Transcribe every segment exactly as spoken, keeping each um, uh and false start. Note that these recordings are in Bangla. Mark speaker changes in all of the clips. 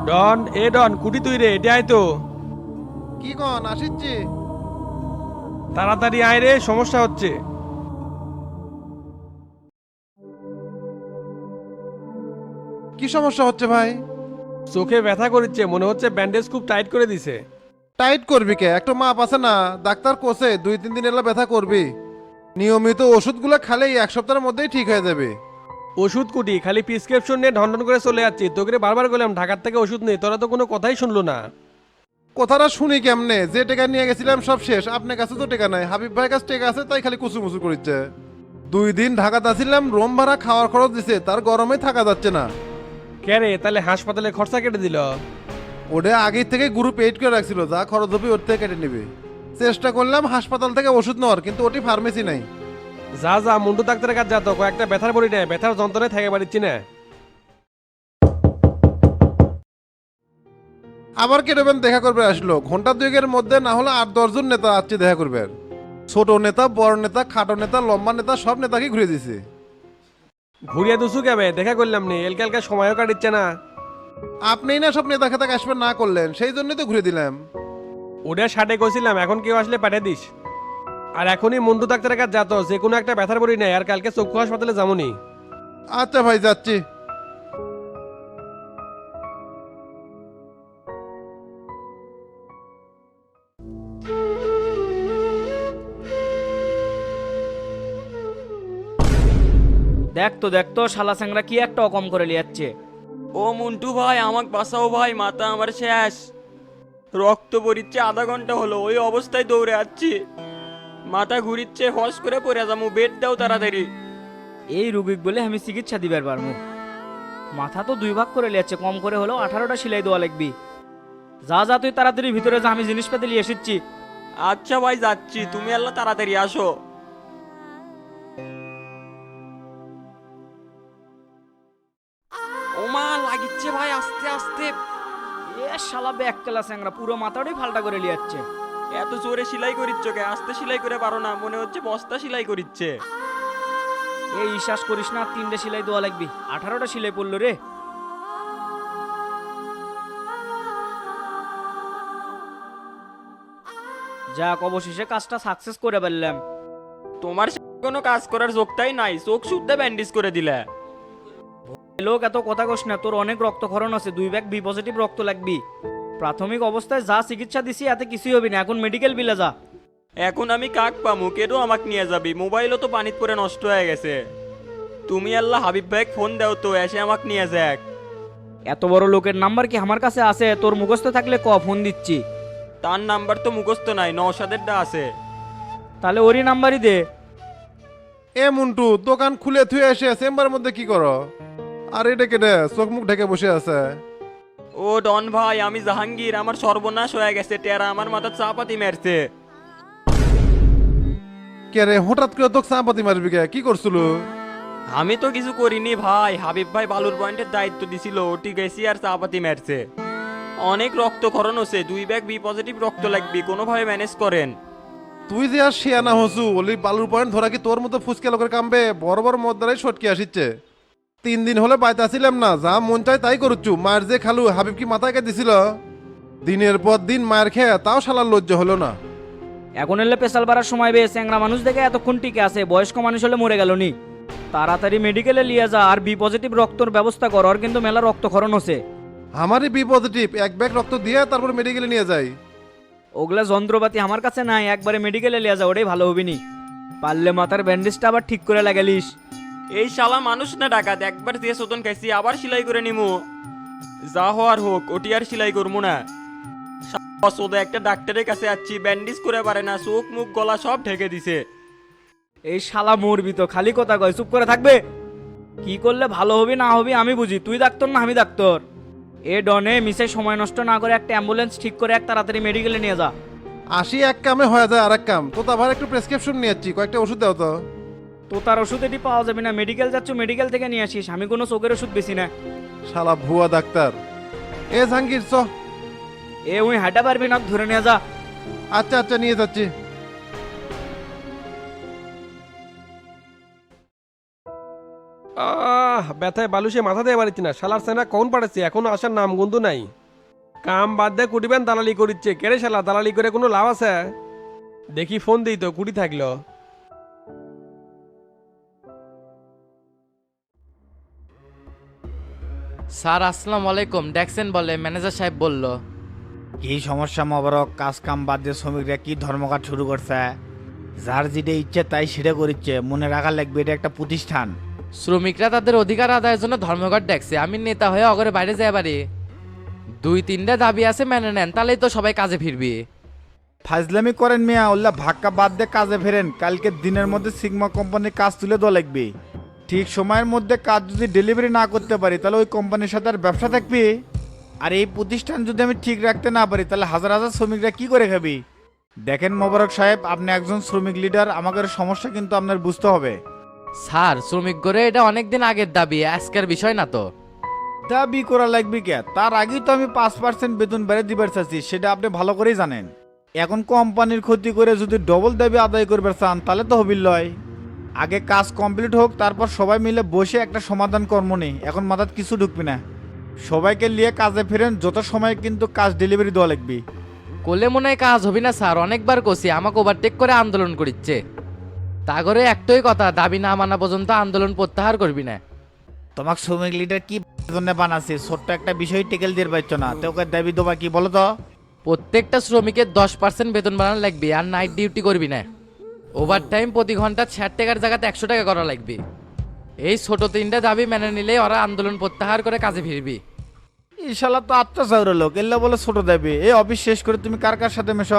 Speaker 1: ডন এ ডন কুটি তুই রে এটা আয় তো।
Speaker 2: কি কন আসিচ্ছি।
Speaker 1: তাড়াতাড়ি আয় রে, সমস্যা হচ্ছে।
Speaker 2: কি সমস্যা হচ্ছে ভাই?
Speaker 1: চোখে ব্যথা করিচ্ছে, মনে হচ্ছে ব্যান্ডেজ খুব টাইট করে দিছে।
Speaker 2: টাইট করবি কে? একটা মাপ আছে না? ডাক্তার কোসে দুই তিন দিন এলা ব্যথা করবি। নিয়মিত ওষুধগুলো খালেই এক সপ্তাহের মধ্যেই ঠিক হয়ে যাবে।
Speaker 1: ওষুধ কুটি খালি প্রিসক্রিপশন নিয়ে ঢন ঢন করে চলে যাচ্ছি, তোকে বারবার বললাম ঢাকার থেকে ওষুধ নেই, তোরা তো কোনো কথাই শুনলো না।
Speaker 2: কথাটা শুনি কেমনে? যে টাকা নিয়ে গেছিলাম সব শেষ, আপনার কাছে তো টাকা নাই, হাবিব ভাইয়ের কাছে টাকা আছে তাই খালি কুচু মুচু করিচ্ছে। দুই দিন ঢাকাতে আসছিলাম, রোম ভাড়া খাওয়ার খরচ দিছে, তার গরমে থাকা যাচ্ছে না।
Speaker 1: কে রে, তাহলে হাসপাতালে খরচা কেটে দিল?
Speaker 2: ওটা আগের থেকে গ্রুপ এইট করে রাখছিল, যা খরচ হবে ওর থেকে কেটে নেবে। চেষ্টা করলাম হাসপাতাল থেকে ওষুধ নেওয়ার, কিন্তু ওটি ফার্মেসি নাই।
Speaker 1: যা যা মুন্ডু ডাক্তারের কাছে যা তো, কয়েকটা ব্যথার বড়ি নেয়, ব্যথার যন্ত্রণায় থেকে পারিচ্ছি না।
Speaker 2: আবার কেটবেন দেখা করবে আসলো, ঘন্টা দুয়েকের মধ্যে না হলে আট দশজন নেতা আসছে দেখা করবে। ছোট নেতা, বড় নেতা, খাটো নেতা, লম্বা নেতা, সব নেতাকে ঘুরে দিছে।
Speaker 1: ঘুরিয়ে দুসু কেবে দেখা করলাম নি, এলকালকা সময়ও কাটিচ্ছে না।
Speaker 2: আপনিই না সব নেতা খেতা আসবেন না করলেন, সেই জন্যই তো ঘুরে দিলাম।
Speaker 1: ওটা ষাটে কইছিলাম, এখন কেউ আসলে পাঠিয়ে দিস। আর এখনই মুন্ডু ডাক্তারের কাছে যা তো, যে কোনো একটা ব্যথার বড়ি নেয়, আর কালকে চক্ষু হাসপাতালে যামনি।
Speaker 2: আচ্ছা ভাই, যাচ্ছি।
Speaker 3: দেখ তো দেখ তো শালা স্যাংরা কি একটা অকম করে লিয়াচ্ছে।
Speaker 4: ও মন্টু ভাই, আমাকে বাঁচাও ভাই, মাথা আমার শেষ। রক্ত পড়িচ্ছে, আধা ঘন্টা হলো ওই অবস্থায় দৌড়ে যাচ্ছি। মাথা ঘুরিচ্ছে, হস করে পড়ে যাবো, বেড দাও তাড়াতাড়ি।
Speaker 3: এই রুগীক বলে আমি চিকিৎসা দিবার পারবো? মাথা তো দুই ভাগ করে লিয়াচ্ছে, কম করে হলেও আঠারোটা সেলাই দেওয়া লাগবি। যা যা তুই তাড়াতাড়ি ভিতরে যা, আমি জিনিসপাতি নিয়ে এসেছি।
Speaker 4: আচ্ছা ভাই যাচ্ছি, তুমি আল্লাহ তাড়াতাড়ি আসো। ওমা লাগিচ্ছে ভাই, আস্তে আস্তে।
Speaker 3: এ শালা ব্যাক কেলা স্যাংরা পুরো মাথাটাই ফাল্টা করে লিয়াচ্ছে।
Speaker 4: এত জোরে সেলাই করিচ্ছ কে? আস্তে সেলাই করে পারো না? মনে হচ্ছে বস্তা সেলাই করিচ্ছে।
Speaker 3: এই বিশ্বাস করিস না, তিনটে সেলাই দেওয়া লাগবি, আঠারোটা সেলাই পড়লো রে। যাক, অবশেষে কাজটা সাকসেস করে ফেললাম।
Speaker 4: তোমার সে কোনো কাজ করার যোগটাই নাই, চোখ শুদ্ধ ব্যান্ডেজ করে দিলে।
Speaker 3: লোক এত কথা কস না, তোর অনেক রক্তক্ষরণ আছে, দুই ব্যাগ বি পজিটিভ রক্ত লাগবি। প্রাথমিক অবস্থায় যা চিকিৎসা দিছি এতে কিছুই হবে না, এখন মেডিকেল বিলে যা।
Speaker 4: এখন আমি কাক পামু? কেডো আমাকে নিয়ে যাবি? মোবাইলও তো পানিত পরে নষ্ট হয়ে গেছে। তুমি আল্লাহ হাবিব ভাই ফোন দাও তো, এসে আমাকে নিয়ে যাক।
Speaker 3: এত বড় লোকের নাম্বার কি আমার কাছে আছে? তোর মুখস্থ থাকলে ক, ফোন দিচ্ছি।
Speaker 4: তার নাম্বার তো মুখস্থ নাই, নওশাদেরটা আছে।
Speaker 3: তাহলে ওরই নাম্বারই দে।
Speaker 2: এ মন্টু, দোকান খুলে থুয়ে এসে চেম্বারের মধ্যে কি করো? আর এটা কেটে চোখ মুখ ঢেকে বসে আছে।
Speaker 4: ও ডন ভাই, আমি জাহাঙ্গীর, আমার সর্বনাশ হয়ে গেছে, টেরা আমার মাথা চাপাতি মেরছে।
Speaker 2: কে রে, হঠাৎ করে তোকে চাপাতি মারবি কে? কি করছিল?
Speaker 4: আমি তো কিছু করিনি ভাই, হাবিব ভাই বালুর পয়েন্টের দায়িত্ব দিছিল, ওটি গেছি আর চাপাতি মেরছে। অনেক রক্তক্ষরণ হচ্ছে, দুই ব্যাগ বি পজিটিভ রক্ত লাগবে, কোনোভাবে ম্যানেজ করেন।
Speaker 2: তুই যে আর শিয়ানা হসু, ওলি বালুর পয়েন্ট ধরা কি তোর মতো ফুসকে লোকের কামবে? বড় বড় মদ্দারাই সটকে আসিচ্ছে। তিন দিন হলে বাইতে আসিলাম না, যা মন চাই তাই করুচ্ছু। মায়ের যে খালু, হাবিব কি মাথায় কে দিছিল? দিনের পর দিন মায়ের খেয়ে তাও শালার লজ্জা হলো না।
Speaker 3: এখন এলে পেশাল বাড়ার সময় বে, স্যাংরা মানুষ দেখে এতক্ষণ টিকে আছে, বয়স্ক মানুষ হলে মরে গেল নি। তাড়াতাড়ি মেডিকেলে লিয়ে যা, আর বি পজিটিভ রক্তর ব্যবস্থা কর, ওর কিন্তু মেলা রক্তক্ষরণ হচ্ছে।
Speaker 2: আমারই বি পজিটিভ, এক ব্যাগ রক্ত দিয়ে তারপর মেডিকেলে নিয়ে যাই।
Speaker 3: ওগুলা যন্ত্রপাতি আমার কাছে নাই, একবারে মেডিকেলে লিয়ে যা, ওটাই ভালো হবি নি। পারলে মাথার ব্যান্ডেজটা আবার ঠিক করে লাগালিস।
Speaker 4: এই শালা মানুষ না ডাকাত, একবার দিয়ে শোধন খাইছি, আবার সেলাই করে নিমু। যা হওয়ার হোক, ওটি আর সেলাই করবো না। ওদা একটা ডাক্তারের কাছে যাচ্ছি, ব্যান্ডেজ করে পারে না, চোখ মুখ গলা সব ঢেকে দিছে।
Speaker 3: এই শালা মরবি তো, খালি কথা কয়, চুপ করে থাকবে। কি করলে ভালো হবি না হবি আমি বুঝি, তুই ডাক্তার না আমি ডাক্তার? এ ডনে মিশে সময় নষ্ট না করে একটা অ্যাম্বুলেন্স ঠিক করে এক তাড়াতাড়ি মেডিকেলে নিয়ে যা।
Speaker 2: আসি এক কামে হয়ে যায় আর এক কাম। তো আবার একটু প্রেসক্রিপশন নিয়ে যাচ্ছি, কয়েকটা ওষুধ দাও তো।
Speaker 3: তো তার ওষুধ এটি পাওয়া যাবে না, মেডিকেল যাচ্ছ মেডিকেল থেকে নিয়ে আসিস, আমি কোনো চোখের ওষুধ বেশি না।
Speaker 2: শালা ভুয়া ডাক্তার। এ জাহাঙ্গীর চ।
Speaker 3: এ উই হাঁটা পারবি না, ধরে নিয়ে যা।
Speaker 2: আচ্ছা আচ্ছা, নিয়ে যাচ্ছি।
Speaker 1: আহ আহ ব্যথায় বালুসে মাথা দিয়ে পারছি না, শালার সেনা কখন পাঠাচ্ছি এখনো আসার নাম গন্ধু নাই। কাম বাদ দিয়ে কুটিবেন দালালি করিচ্ছে, কেড়ে শালা দালালি করে কোনো লাভ আছে? দেখি ফোন দিই তো কুটি থাকলো।
Speaker 5: স্যার আসসালামু আলাইকুম, ডেকসেন বলে ম্যানেজার সাহেব বলল।
Speaker 6: কি সমস্যা মোবারক? কাজ কাম বাদ দিয়ে শ্রমিকরা কি ধর্মঘট শুরু করছে? যার যেটা ইচ্ছে তাই সেটা করিচ্ছে, মনে রাখা লাগবে এটা একটা প্রতিষ্ঠান।
Speaker 5: শ্রমিকরা তাদের অধিকার আদায়ের জন্য ধর্মঘট ডাকছে, আমি নেতা হয়ে অগরে বাইরে যাই পারি। দুই তিনটা দাবি আছে, মেনে নেন তাহলেই তো সবাই কাজে ফিরবি।
Speaker 6: ফাজলামি করেন মিয়া, ওল্লা ভাক্কা বাদ দিয়ে কাজে ফেরেন। কালকে দিনের মধ্যে সিগমা কোম্পানির কাজ তুলে দেওয়া লাগবে। ঠিক সময়ের মধ্যে কাজ যদি ডেলিভারি না করতে পারি তাহলে ওই কোম্পানির সাথে আর ব্যবসা থাকবে। আর এই প্রতিষ্ঠান যদি আমি ঠিক রাখতে না পারি তাহলে হাজার হাজার শ্রমিকরা কি করে খাবি? দেখেন মোবারক সাহেব, আপনি একজন শ্রমিক লিডার, আমাদের সমস্যা কিন্তু আপনার বুঝতে হবে।
Speaker 5: স্যার শ্রমিক করে এটা অনেকদিন আগের দাবি, আজকের বিষয় না তো।
Speaker 6: দাবি করা লাগবে কে? তার আগেই তো আমি পাঁচ পার্সেন্ট বেতন বেড়ে দিবার চাচ্ছি, সেটা আপনি ভালো করেই জানেন। এখন কোম্পানির ক্ষতি করে যদি ডবল দাবি আদায় করবার চান তাহলে তো হবিল লয়। আগে কাজ কমপ্লিট হোক, তারপর সবাই মিলে বসে একটা সমাধান কর্ম নেই। এখন মাথার কিছু ঢুকবি না, সবাইকে নিয়ে কাজে ফেরেন, যত সময় কিন্তু কাজ ডেলিভারি দেওয়া লাগবে।
Speaker 5: কোলে মনে হয় কাজ হবি না স্যার, অনেকবার কষি আমাকে ওভারটেক করে আন্দোলন করিচ্ছে। তা করে একটাই কথা, দাবি না মানা পর্যন্ত আন্দোলন প্রত্যাহার করবি না।
Speaker 6: তোমাকে শ্রমিক লিডার কি জন্য বানাচ্ছে? ছোট্ট একটা বিষয় টেকেল দিয়ে পারছো না, তো ওকে দাবি দেবা কি বলো তো?
Speaker 5: প্রত্যেকটা শ্রমিকের দশ পার্সেন্ট বেতন বাড়ানো লাগবে, আর নাইট ডিউটি করবি না। ওভার টাইম প্রতি ঘন্টা ষাট টাকার জায়গাতে একশো টাকা করা লাগবে। এই ছোট তিনটা দাবি মেনে নিলে ওরা আন্দোলন প্রত্যাহার করে কাজে ফিরবি।
Speaker 6: ইনশাল্লাহ তো আত্মচাউর লোক, এল্লা বলে ছোট দেবে। এই অফিস শেষ করে তুমি কার কার সাথে মেশো?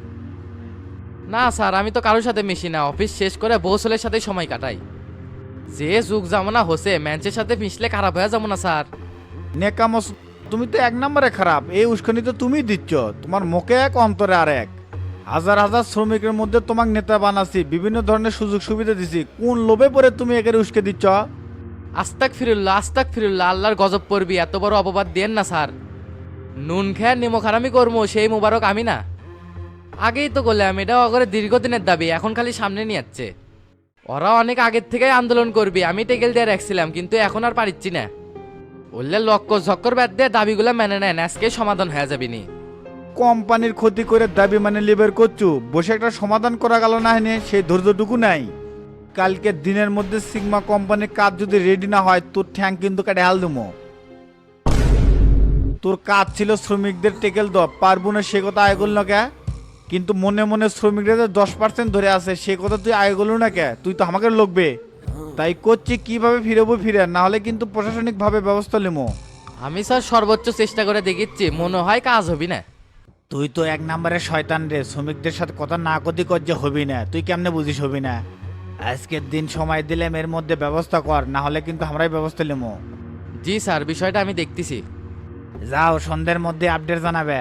Speaker 5: না স্যার, আমি তো কারোর সাথে মিশি না, অফিস শেষ করে বৌসলের সাথে সময় কাটাই। যে যুগ জামানা হচ্ছে, ম্যাচের সাথে মিশলে খারাপ হয়ে যাবো না স্যার?
Speaker 6: নেকামস, তুমি তো এক নম্বরে খারাপ। এই উস্কানি তো তুমি দিচ্ছ, তোমার মুখে এক অন্তরে আর এক। হাজার হাজার শ্রমিকের মধ্যে তোমাকে নেতা বানাচ্ছি, বিভিন্ন ধরনের সুযোগ সুবিধা দিছি, কোন লোভে পরে তুমি একের উস্কে দিচ্ছ?
Speaker 5: আস্তাক ফিরুল্লাহ, আস্তাক ফিরুল্লাহ, আল্লাহর গজব পড়বি, এত বড় অপবাদ দেন না স্যার। নুন খেয়ে নিমখ হারামি করবো সেই মুবারক আমি না। আগেই তো করলাম, এটা অগরে দীর্ঘদিনের দাবি, এখন খালি সামনে নিয়ে যাচ্ছে। ওরা অনেক আগের থেকেই আন্দোলন করবি, আমি টেকেল দিয়ে রাখছিলাম, কিন্তু এখন আর পারিচ্ছি না। বললে লক্ষ্য ঝক্কর ব্যাট দিয়ে দাবিগুলো মেনে নেন, আজকে সমাধান হয়ে যাবি নি।
Speaker 6: কোম্পানির ক্ষতি করে দাবি মানে লিবের করছু, বসে একটা সমাধান করা গেল না, হেনে সেই ধৈর্যটুকু নাই। কালকে দিনের মধ্যে সিগমা কোম্পানির কাজ যদি রেডি না হয় তোর ঠ্যাং কিন্তু কাটে হাল দেবো। তোর কাজ ছিল শ্রমিকদের টেকেল দ, পারবো না সে কথা আয় করল না কে? কিন্তু মনে মনে শ্রমিকরা যে দশ পার্সেন্ট ধরে আছে সে কথা তুই আয় করল না কে? তুই তো আমাকে লোকবে। তাই করছি কিভাবে ফিরবো ফিরে, না হলে কিন্তু প্রশাসনিকভাবে ব্যবস্থা নেবো।
Speaker 5: আমি স্যার সর্বোচ্চ চেষ্টা করে দেখিচ্ছি, মনে হয় কাজ হবি না।
Speaker 6: তুই তো এক নম্বরের শয়তান রে, শ্রমিকদের সাথে কথা না কদি কর যে হবি না, তুই কেমনে বুঝিস হবি না? আজকের দিন সময় দিলাম, এর মধ্যে ব্যবস্থা কর, না হলে কিন্তু আমরাই ব্যবস্থা নেবো।
Speaker 5: জি স্যার, বিষয়টা আমি দেখতেছি।
Speaker 6: যাও, সন্ধ্যের মধ্যে আপডেট জানাবে।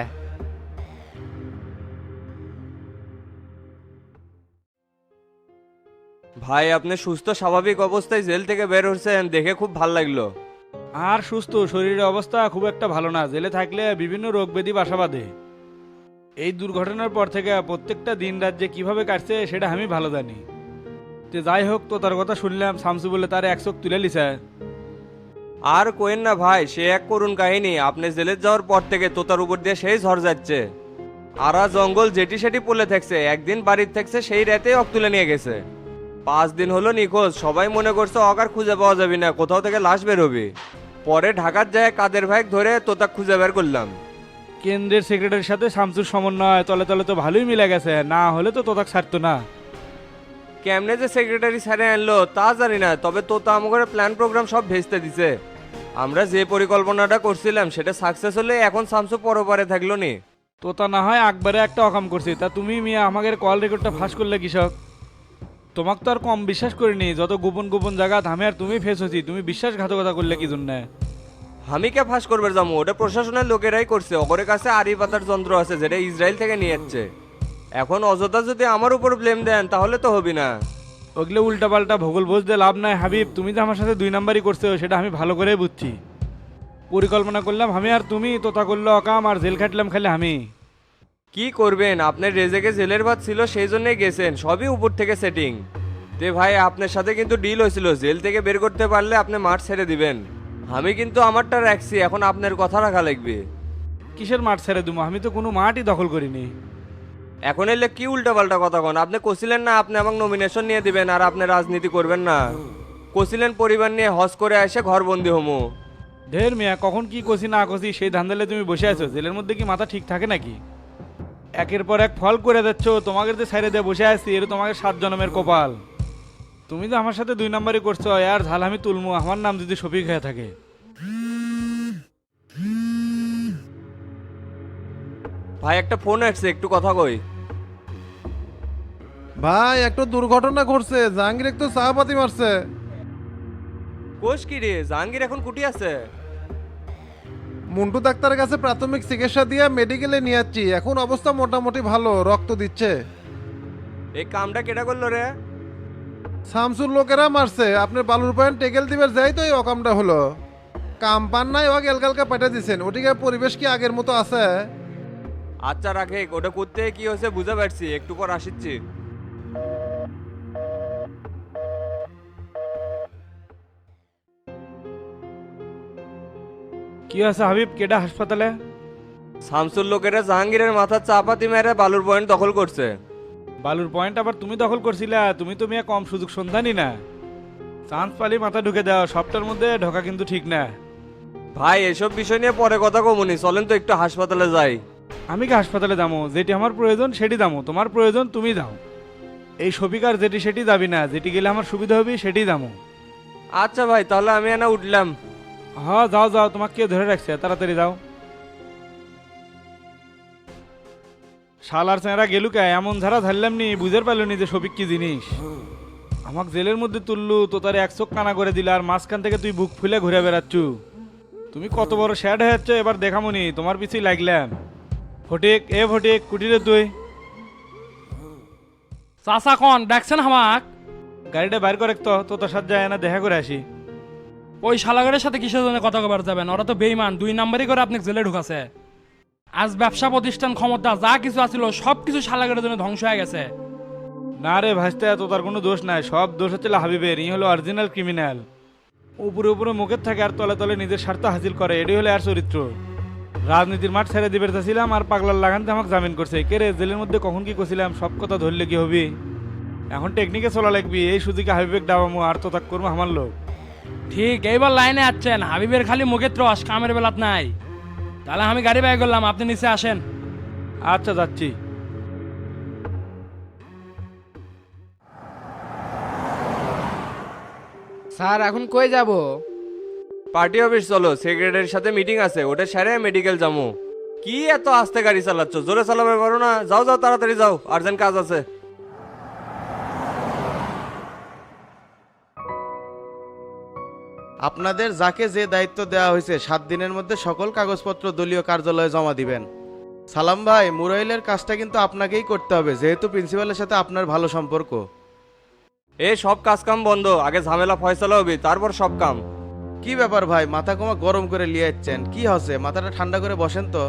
Speaker 4: ভাই আপনি সুস্থ স্বাভাবিক অবস্থায় জেল থেকে বের হচ্ছেন দেখে খুব ভালো লাগলো।
Speaker 7: আর সুস্থ শরীরের অবস্থা খুব একটা ভালো না, জেলে থাকলে বিভিন্ন রোগ ব্যাধি বাসা বাঁধে। এই দুর্ঘটনার পর থেকে প্রত্যেকটা দিন রাত যে কিভাবে কাটছে সেটা আমি ভালো জানি। তো যাই হোক, তো তার কথা শুনলাম শামসু বলে তার এক চোখ তুলে লিছে।
Speaker 4: আর কোয়েন না ভাই, সে এক করুণ কাহিনী। আপনি জেলে যাওয়ার পর থেকে তোতার উপর দিয়ে সেই ঝড় যাচ্ছে। আরা জঙ্গল যেটি সেটি পলে থাকছে, একদিন বাড়ির থাকছে সেই রাতেই অক তুলে নিয়ে গেছে। পাঁচ দিন হলো নিখোঁজ, সবাই মনে করছে অক আর খুঁজে পাওয়া যাবে না, কোথাও থেকে লাশ বেরোবে। পরে ঢাকার যায় কাদের ভাই ধরে তোতাক খুঁজে বের করলাম।
Speaker 7: কেন্দ্রের সেক্রেটারির সাথে শামসুর সমন্বয় তলে তলে তো ভালোই মিলে গেছে, না হলে তো তোতাক ছাড়তো না।
Speaker 4: কেমনে যে সেক্রেটারি স্যারে আনলো তা জানি না, তবে তোতা আমাদের প্ল্যান প্রোগ্রাম সব ভেস্তে দিছে। আমরা যে পরিকল্পনাটা করছিলাম সেটা সাকসেস হলে এখন শামসু পরপারে থাকলো নি।
Speaker 7: তোতা না হয় একবারে একটা অকাম করছি, তা তুমি মিয়া আমাদের কল রেকর্ডটা ফাঁস করলে কৃষক। তোমাকে তো আর কম বিশ্বাস করিনি, যত গোপন গোপন জায়গা থামে আর তুমি ফেস হচ্ছি, তুমি বিশ্বাসঘাতকতা করলে কি জন্য?
Speaker 4: আমি কে ফাঁস করবে যাবো? ওটা প্রশাসনের লোকেরাই করছে। ওগরের কাছে আড়ি পাতার যন্ত্র আছে যেটা ইসরায়েল থেকে নিয়ে যাচ্ছে। এখন অযথা যদি আমার উপর ব্লেম দেন তাহলে তো হবি না।
Speaker 7: ওগুলো উল্টাপাল্টা ভূগোল বুঝতে লাভ নাই হাবিব, তুমি যে আমার সাথে দুই নাম্বারই করছো সেটা আমি ভালো করেই বুঝছি। পরিকল্পনা করলাম আমি আর তুমি, তোতা করলো অকাম, আর জেল খাটলাম খালি আমি।
Speaker 4: কি করবেন, আপনার রেজেকে জেলের ভাত ছিল সেই জন্যই গেছেন, সবই উপর থেকে সেটিং।
Speaker 8: তে ভাই আপনার সাথে কিন্তু ডিল হয়েছিল, জেল থেকে বের করতে পারলে আপনি মাঠ ছেড়ে দিবেন। আমি কিন্তু আমারটা রাখছি, এখন আপনার কথা রাখা লাগবে।
Speaker 7: কিসের মাঠ ছেড়ে দেবো? আমি তো কোনো মাঠই দখল করিনি।
Speaker 8: এখন এলে কি উল্টাপাল্টা কথা কন? আপনি কছিলেন না আপনি আমাকে নমিনেশন নিয়ে দিবেন আর আপনি রাজনীতি করবেন না? কছিলেন পরিবার নিয়ে হজ করে এসে ঘরবন্দি হমো।
Speaker 7: ঢের মিয়া, কখন কি কষি না কষি সেই ধান্দালে তুমি বসে আছো। জেলের মধ্যে কি মাথা ঠিক থাকে নাকি? একের পর এক ফল করে যাচ্ছ, তোমাকে যে সাইডে দিয়ে বসে আছি এটা তোমাকে সাত জন্মের কপাল। তুমি তো আমার সাথে দুই নাম্বারই করছো, আর ঝাল আমি তুলমু আমার নাম যদি শফিক হয়ে থাকে।
Speaker 8: ভাই একটা ফোন আসছে, একটু কথা কই।
Speaker 2: ভাই একটা দুর্ঘটনা ঘটছে, জাহাঙ্গীর একটু চাপাতি মারছে।
Speaker 8: কোষ কি রে, জাহাঙ্গীর এখন কুটি আছে?
Speaker 2: মুন্টু ডাক্তারের কাছে প্রাথমিক চিকিৎসা দিয়ে মেডিকেলে নিয়ে যাচ্ছি, এখন অবস্থা মোটামুটি ভালো, রক্ত দিচ্ছে।
Speaker 8: এই কামটা কেটা করলো রে?
Speaker 2: শামসুর লোকেরা মারছে, আপনার বালুর পয়েন্ট টেকেল দিবার যাই তো এই অকামটা হলো। কাম পান নাই ও গেলকালকা পাঠিয়ে দিচ্ছেন, ওটিকে পরিবেশ কি আগের মতো আছে?
Speaker 8: আচ্ছা রাখে, ওটা করতে কি হয়েছে বুঝতে পারছি, একটু পর আসিচ্ছি।
Speaker 7: কি আছে হাবিব, কেডা হাসপাতালে?
Speaker 8: শামসুর লোকেরা জাহাঙ্গীরের মাথার চাপাতি মেরে বালুর পয়েন্ট দখল করছে।
Speaker 7: বালুর পয়েন্ট আবার তুমি দখল করছিলা? তুমি তো মিয়া কম সুযোগ সন্ধানই না। চান্স পালি মাথা ঢুকে দাও, সবটার মধ্যে ঢোকা কিন্তু ঠিক না।
Speaker 8: ভাই এসব বিষয় নিয়ে পরে কথা কমুনি, চলেন তো একটু হাসপাতালে যাই।
Speaker 7: আমি কি হাসপাতালে দামো? যেটি আমার প্রয়োজন সেটি দামো, তোমার প্রয়োজন তুমি দাও। এই শফিকার যেটি সেটি দাবি না, যেটি গেলে আমার সুবিধা হবে সেটি দামো।
Speaker 8: আচ্ছা ভাই তাহলে আমি এনা উঠলাম।
Speaker 7: হ্যাঁ যাও যাও, তোমাকে কে ধরে রাখছে, তাড়াতাড়ি যাও। শালার চেহারা গেলু কে? এমন ধারা ধরলাম নি, বুঝতে পারলো নি যে শফিক কি জিনিস। আমাকে জেলের মধ্যে তুললু তো তার এক চোখ কানা করে দিল, আর মাঝখান থেকে তুই বুক ফুলে ঘুরে বেড়াচ্ছু। তুমি কত বড় শ্যাড হয়ে যাচ্ছ এবার দেখামনি, তোমার পিছিয়ে লাগলাম। ফটিক, এ ফটিক, কুটিরে তুই
Speaker 9: চাচা কন ডাকছেন হামাক?
Speaker 7: গাড়িটা বাইর করে তো, তো তোর সাথে যায় না, দেখা করে আসি।
Speaker 9: ওই শালাগরের সাথে কিসের জন্য কথা কবার যাবেন? ওরা তো বেইমান, দুই নাম্বারই করে আপনি জেলে ঢুকাছে। আজ ব্যবসা প্রতিষ্ঠান ক্ষমতা যা কিছু আছিল সব কিছু শালাগরের জন্য ধ্বংস হয়ে গেছে।
Speaker 7: না রে ভাসতে, তো তার কোনো দোষ নাই, সব দোষ হচ্ছে হাবিবের। ই হলো অরিজিনাল ক্রিমিনাল। উপরে উপরে মুখের থাকে আর তলে তলে নিজের স্বার্থ হাসিল করে, এটাই হলো আর চরিত্র। রাজনীতির মাঠ ছেড়ে দিবে চাইছিলাম আর পাগলার লাগানতে আমাকে জামিন করছে। কে রে, জেলের মধ্যে কখন কি করছিলাম, সব কথা ধরলে কি হবি? এখন টেকনিকে চলা লাগবি, এই সুযোগে হাবিবেক ডাবামু আর তো তাক করবো আমার লোক।
Speaker 9: ঠিক এইবার লাইনে আছেন, হাবিবের খালি মুখের ত্রস, কামের বেলাত নাই। তাহলে আমি গাড়ি বাই করলাম, আপনি নিচে আসেন।
Speaker 7: আচ্ছা যাচ্ছি।
Speaker 5: স্যার এখন কই যাব?
Speaker 8: পার্টি অফিস চলো, সেক্রেটারির সাথে মিটিং আছে, ওটা সেরে মেডিকেল যাবো। কি এত আস্তে গাড়ি চালাচ্ছ? জোরে চালাবে পারো না? যাও যাও তাড়াতাড়ি যাও, আর্জেন্ট কাজ আছে।
Speaker 10: আপনাদের যাকে যে দায়িত্ব দেওয়া হয়েছে সাত দিনের মধ্যে সকল কাগজপত্র দলীয় কার্যালয়ে জমা দিবেন। সালাম ভাই, মুরাইলের কাজটা কিন্তু আপনাকেই করতে হবে, যেহেতু প্রিন্সিপালের সাথে আপনার ভালো সম্পর্ক।
Speaker 8: এ সব কাজ কাম বন্ধ, আগে ঝামেলা ফয়সালা হবে তারপর সব কাম।
Speaker 10: কি ব্যাপার ভাই, মাথা কমা গরম করে লিয়ে যাচ্ছেন, কি হচ্ছে? মাথাটা ঠান্ডা করে বসেন তো।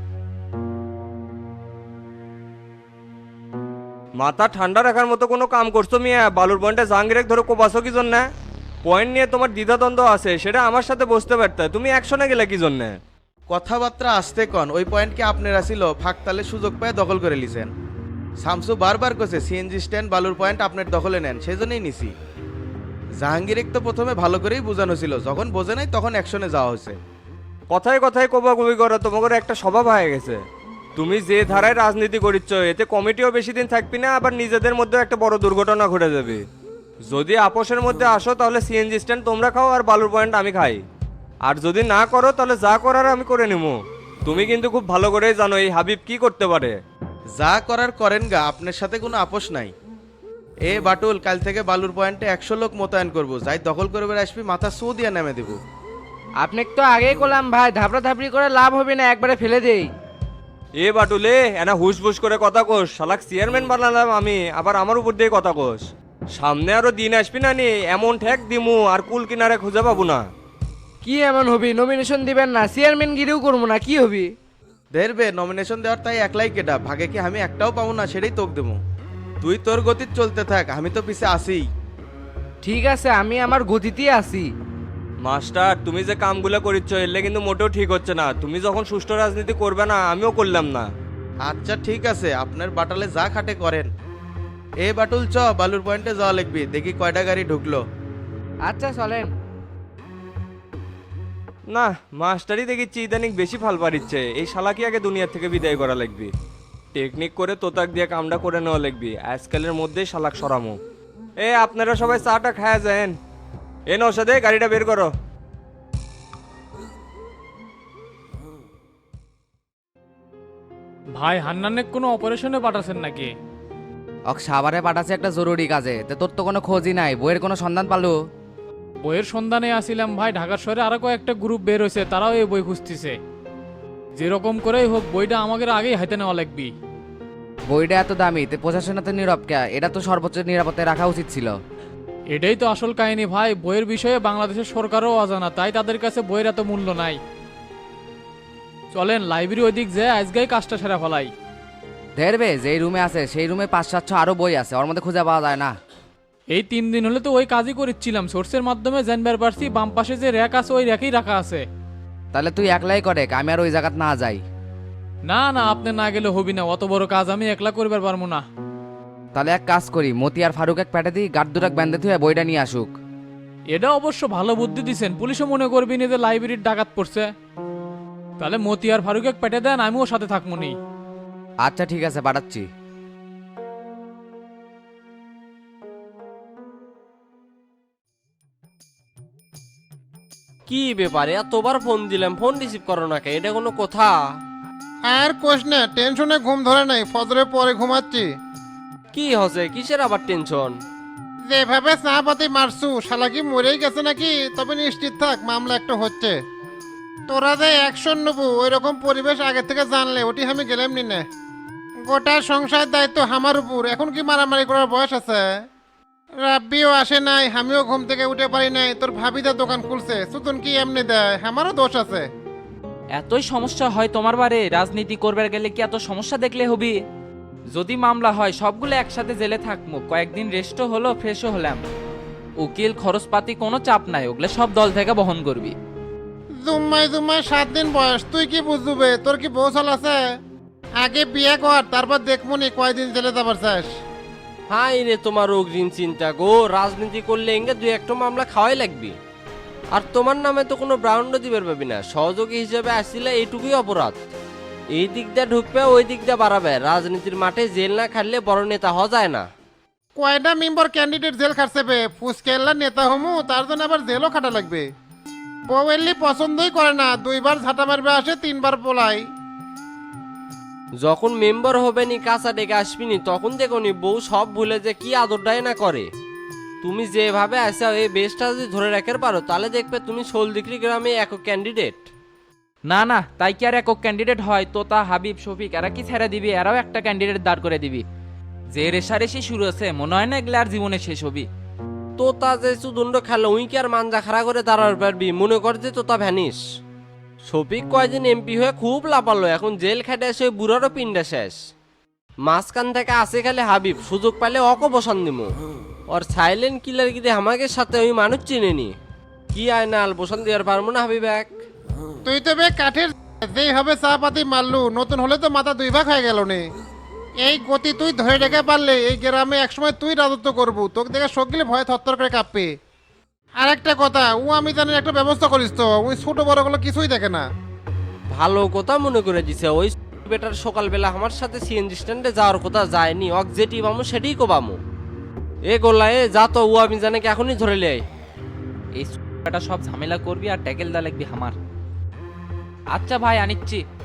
Speaker 8: মাথা ঠান্ডা রাখার মতো কোনো কাম করছো মিয়া? বালুর পয়েন্টে জাহাঙ্গীরেক ধরে কোপাছো কি জন্য? পয়েন্ট নিয়ে তোমার দ্বিধাদ্বন্দ্ব আছে, সেটা আমার সাথে বসতে পারতে, তুমি অ্যাকশনে গেলে কি জন্য?
Speaker 10: কথাবার্তা আসতে কন, ওই পয়েন্ট কি আপনারা ছিল? ফাঁকতালে সুযোগ পেয়ে দখল করে লিছেন। শামসু বারবার কছে সিএনজি স্ট্যান্ড বালুর পয়েন্ট আপনার দখলে নেন, সেই জন্যই নিছি। জাহাঙ্গীর তো প্রথমে ভালো করেই বোঝানো ছিল, যখন বোঝে নাই তখন অ্যাকশনে যাওয়া হয়েছে।
Speaker 8: কথায় কথায় কোবাকুবি করো, তোমাদের একটা স্বভাব হয়ে গেছে। তুমি যে ধারায় রাজনীতি করিচ্ছ এতে কমিটিও বেশি দিন থাকবি না, আবার নিজেদের মধ্যে একটা বড় দুর্ঘটনা ঘটে যাবে। যদি আপোষের মধ্যে আসো তাহলে সিএনজি স্ট্যান্ড তোমরা খাও আর বালুর পয়েন্ট আমি খাই, আর যদি না করো তাহলে যা করার আমি করে নেব। তুমি কিন্তু খুব ভালো করেই জানো এই হাবিব কি করতে পারে।
Speaker 10: যা করার করেন গা, আপনার সাথে কোনো আপোষ নাই। এ বাটুল, কাল থেকে বালুর পয়েন্টে একশো লোক মোতায়েন করবো, যাই দখল করবে আসবি মাথা সু দিয়ে নেমে দেবো।
Speaker 5: আপনি তো আগেই করলাম ভাই, ধাপড়া ধাপড়ি করে লাভ হবে না, একবারে ফেলে দেই।
Speaker 8: এ বাটুলে এনা হুস বুস করে কথা কোস, শালাক চেয়ারম্যান বানালাম আমি, আবার আমার উপর দিয়ে কথা কোস। সামনে আরো দিন আসবি না নি, এমন ঠেক দিমু আর কুল কিনারে খুঁজে পাবো না।
Speaker 5: কি এমন হবি? নমিনেশন দিবেন না, চেয়ারম্যান গিরিও করবো না, কি হবি?
Speaker 10: দেখবে নমিনেশন দেওয়ার তাই একলাই কেটা, ভাগে কি আমি একটাও পাবো না, সেটাই তোক দেবো। তুই তোর গতি চলতে থাক, আমি তো পিছে আসি।
Speaker 5: ঠিক আছে, আমি আমার গতিতেই আছি।
Speaker 8: মাস্টার তুমি যে কামগুলো করিচ্ছ এলে কিন্তু মোটেও ঠিক হচ্ছে না। তুমি যখন সুষ্ঠু রাজনীতি করবে না, আমিও করলাম না।
Speaker 10: আচ্ছা ঠিক আছে, আপনার বাটালে যা খাটে করেন। এ বাটুল চ, বালুর পয়েন্টে যাওয়া লাগবে, দেখি কয়টা গাড়ি ঢুকলো।
Speaker 5: আচ্ছা চলেন।
Speaker 8: না, মাস্টারই দেখিচ্ছি ইদানিং বেশি ফাল পারিচ্ছে। এই শালাকে আগে দুনিয়া থেকে বিদায় করা লাগবে। টেকনিক করে তোতাক দিয়ে কামটা করে নেওয়া লাগবে। আজকালের মধ্যেই শালাক সরামো। এ আপনারা সবাই চাটা খায়া যান। এ নৌসাদে গাড়িটা বের করো।
Speaker 9: ভাই হান্নানে কোনো অপারেশনে পাঠাচ্ছেন নাকি?
Speaker 5: অক সাভারে পাঠাচ্ছে একটা জরুরি কাজে, তে তোর তো কোনো খোঁজই নাই। বইয়ের কোনো সন্ধান পালো?
Speaker 9: বইয়ের সন্ধানে আসিলাম ভাই, ঢাকার শহরে আরো কয়েকটা গ্রুপ বের হয়েছে, তারাও এই বই খুঁজতেছে। যেরকম করেই হোক বইটা আমাদের আগেই হাতে নেওয়া লাগবে।
Speaker 5: বইটা এত দামি, তে প্রশাসনে তো নীরব কে? এটা তো সর্বোচ্চ নিরাপত্তায় রাখা উচিত ছিল।
Speaker 9: এটাই তো আসল কাহিনী ভাই। বইয়ের বিষয়ে বাংলাদেশের সরকারও অজানা, তাই তাদের কাছে বইয়ের এত মূল্য নাই। চলেন লাইব্রেরি ওইদিক যে আজকেই কাজটা সেরা ফেলাই।
Speaker 5: ধরবে যেই রুমে আছে সেই রুমে পাঁচ সাতশো আরো বই আছে, ওর মধ্যে খুঁজে পাওয়া যায় না।
Speaker 9: এই তিন দিন হলে তো ওই কাজই করেছিলাম। সোর্সের মাধ্যমে জানবার পারছি বাম পাশে যে র্যাক আছে ওই র্যাকেই রাখা আছে।
Speaker 5: তাহলে তুই একলাই করে, আমি আর ওই জায়গাত না যাই।
Speaker 9: না না, আপনি না গেলে হবি না, অত বড় কাজ আমি একলা করবার পারবো না।
Speaker 5: তাহলে এক কাজ করি, মতি আর ফারুক এক প্যাটে দিই, গার্ড দুটাক ব্যান্ডে থুয়ে বইটা নিয়ে আসুক।
Speaker 9: এটা অবশ্য ভালো বুদ্ধি দিছেন, পুলিশও মনে করবি না যে লাইব্রেরির ডাকাত পড়ছে। তাহলে মতি আর ফারুক এক পেটে দেন, আমিও সাথে থাকবো নি।
Speaker 5: আচ্ছা ঠিক আছে, পাঠাচ্ছি।
Speaker 11: কি ব্যাপারে এতবার ফোন দিলাম, ফোন রিসিভ করো না কে? এটা কোনো কথা?
Speaker 2: আর কোশ না, টেনশনে ঘুম ধরে নাই, ফজরের পরে ঘুমাচ্ছি।
Speaker 11: কি হচ্ছে, কিসের আবার টেনশন?
Speaker 2: যেভাবে চা পাতি মারছু, শালা কি মরেই গেছে নাকি? তবে নিশ্চিত থাক, মামলা একটা হচ্ছে। তোরা যে অ্যাকশন নেবো ওই রকম পরিবেশ আগে থেকে জানলে ওটি আমি গেলাম নি না। গোটা সংসার দায়িত্ব আমার উপর, এখন কি মারামারি করার বয়স আছে? রাব্বিও আসে নাই, আমিও ঘুম থেকে উঠে পারি নাই, তোর ভাবিদা দোকান খুলছে, সুতন কি এমনি দেয়? আমারও দোষ আছে।
Speaker 3: এতই সমস্যা হয় তোমার বারে? রাজনীতি করবার গেলে কি এত সমস্যা দেখলে হবি? যদি মামলা হয় সবগুলো একসাথে জেলে থাকবো, কয়েকদিন রেস্টও হলো, ফ্রেশও হলাম। উকিল খরচপাতি কোনো চাপ নাই, ওগুলো সব দল থেকে বহন করবি।
Speaker 2: জুম্মাই জুম্মাই সাত দিন বয়স, তুই কি বুঝবে? তোর কি বউ চল আছে? আগে বিয়ে কর, তারপর দেখমুনি কয়দিন জেলে যাবার চাস।
Speaker 11: হাই রে তোমার অগ্রিম চিন্তা গো। রাজনীতি করলে এঙ্গে দুই একটা মামলা খাওয়াই লাগবে। আর তোমার নামে তো কোনো ব্রাউন্ডও দিবার পাবি না। সহযোগী হিসেবে আসছিলে এইটুকুই অপরাধ। এই দিক দিয়ে ঢুকবে, ওই দিক দিয়ে বাড়াবে। রাজনীতির মাঠে জেল না খাটলে বড় নেতা হওয়া যায় না।
Speaker 2: কয়টা মেম্বার ক্যান্ডিডেট জেল খাটছে বে? ফুসকেল্লা নেতা হমু, তার জন্য আবার জেলও খাটা লাগবে। বউয়েরলি পছন্দই করে না, দুইবার ঝাঁটা মারবে আসে, তিনবার পোলাই।
Speaker 11: যখন মেম্বার হবে নি, কাঁচা ডেকে আসবিনি, তখন দেখো নি বউ সব ভুলে যে কি আদরটাই না করে। তুমি যেভাবে আসা এই বেশটা যদি ধরে রাখার পারো, তাহলে দেখবে তুমি সোলদিকরি গ্রামে একক ক্যান্ডিডেট।
Speaker 3: না না, তাই কি আর একক ক্যান্ডিডেট হয়? তোতা, হাবিব, শফিক এরা কি ছেড়ে দিবি? এরাও একটা ক্যান্ডিডেট দাঁড় করে দিবি। যে রেশারেশি শুরু আছে, মনে হয় না এগুলো আর জীবনে শেষ হবি।
Speaker 11: তোতা যে সুদণ্ড খেলো, উই কি আর মানজা খাড়া করে দাঁড়াতে পারবি? মনে কর যে তোতা ভ্যানিস। শফিক কয়দিন এমপি হয়ে খুব লাপালো, এখন জেল খেটে এসে ওই বুড়ারও পিন্ডা শেষ। মাঝখান থেকে আসে খেলে হাবিব, সুযোগ পাইলে অক বসান দিমু। ওর সাইলেন্ট কিলার গিয়ে আমাকে সাথে ওই মানুষ চিনেনি। কি আয় না আল বসান দেওয়ার পারবো না হাবিব এক।
Speaker 2: তুই তো বে কাঠের, যেই হবে চা পাতি মারলু, নতুন হলে তো মাথা দুই ভাগ হয়ে গেল নে। এই গতি তুই ধরে রেখে পারলে এই গ্রামে একসময় তুই রাজত্ব করবো, তোকে দেখে সকলে ভয়ে থরথর করে কাঁপবে। আর একটা কথা, ও আমি জানি একটা ব্যবস্থা করিস তো, ওই ছোট বড় গুলো কিছুই দেখে না।
Speaker 11: ভালো কথা মনে করে দিছে। ওই বেটার সকালবেলা আমার সাথে সিএনজি স্ট্যান্ডে যাওয়ার কথা যায়নি, অক যেটি পামো সেটাই কোবামো। এ গোল্লা এ যা তো, ও আমি জানে কি এখনই ধরে লে।
Speaker 3: এই সব ঝামেলা করবি আর ট্যাকেল দা লাগবি আমার। আচ্ছা ভাই, আনিচ্ছি।